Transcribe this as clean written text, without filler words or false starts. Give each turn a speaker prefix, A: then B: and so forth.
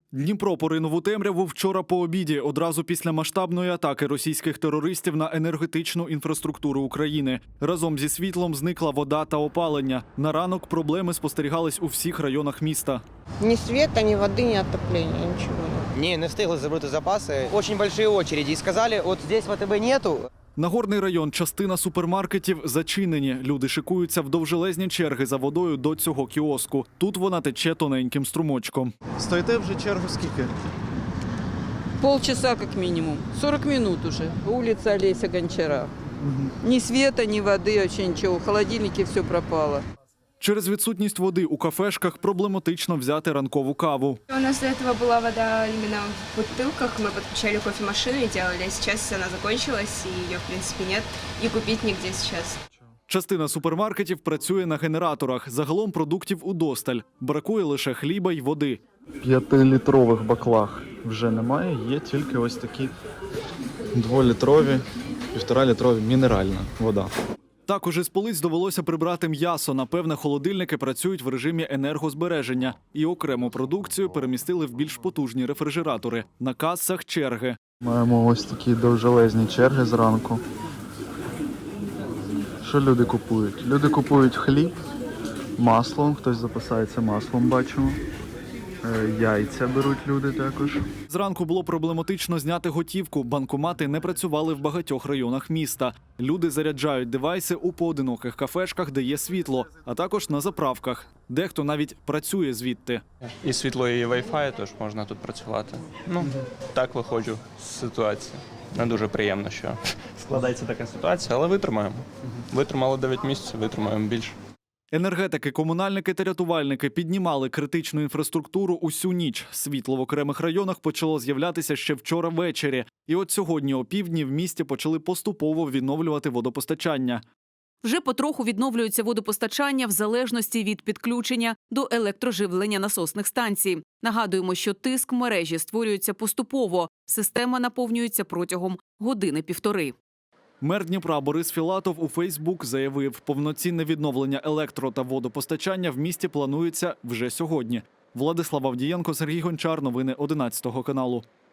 A: Дніпро поринув у темряву вчора по обіді, одразу після масштабної атаки російських терористів на енергетичну інфраструктуру України. Разом зі світлом зникла вода та опалення. На ранок проблеми спостерігались у всіх районах міста.
B: Ні света, ні води, ні отоплення, нічого.
C: Ні, не встигли забрати запаси. Дуже великі очереди. І сказали, от здесь ВТБ нету.
A: Нагорний район, частина супермаркетів зачинені. Люди шикуються в довжелезні черги за водою до цього кіоску. Тут вона тече тоненьким струмочком.
D: Стоїте вже чергу скільки?
E: Полчаса как минимум. 40 минут уже. Улица Олеся Гончара. Ни света, ни воды, вообще ничего. В холодильнике все пропало.
A: Через відсутність води у кафешках проблематично взяти ранкову каву.
F: У нас до этого была вода именно в бутылках, мы подключали кофемашину и делали, а сейчас она закончилась, и ее в принципе нет, и купить нигде сейчас.
A: Частина супермаркетів працює на генераторах. Загалом продуктів удосталь. Бракує лише хліба й води.
D: 5-літрових баклах вже немає, є тільки ось такі 2-літрові, 1,5-літрові мінеральна вода.
A: Також із полиць довелося прибрати м'ясо. Напевне, холодильники працюють в режимі енергозбереження. І окрему продукцію перемістили в більш потужні рефрижератори. На касах черги.
D: Маємо ось такі довжелезні черги зранку. Що люди купують? Люди купують хліб, масло, хтось запасається маслом, бачимо. Яйця беруть люди також.
A: Зранку було проблематично зняти готівку. Банкомати не працювали в багатьох районах міста. Люди заряджають девайси у поодиноких кафешках, де є світло, а також на заправках. Дехто навіть працює звідти.
G: І світло, і Wi-Fi, тож можна тут працювати. Так виходжу з ситуації. Не дуже приємно, що складається така ситуація, але витримаємо. Витримали 9 місяців, витримаємо більше.
A: Енергетики, комунальники та рятувальники піднімали критичну інфраструктуру усю ніч. Світло в окремих районах почало з'являтися ще вчора ввечері. І от сьогодні опівдні в місті почали поступово відновлювати водопостачання.
H: Вже потроху відновлюється водопостачання в залежності від підключення до електроживлення насосних станцій. Нагадуємо, що тиск в мережі створюється поступово. Система наповнюється протягом години-півтори.
A: Мер Дніпра Борис Філатов у Фейсбук заявив, повноцінне відновлення електро- та водопостачання в місті планується вже сьогодні. Владислав Авдієнко, Сергій Гончар. Новини 11 каналу.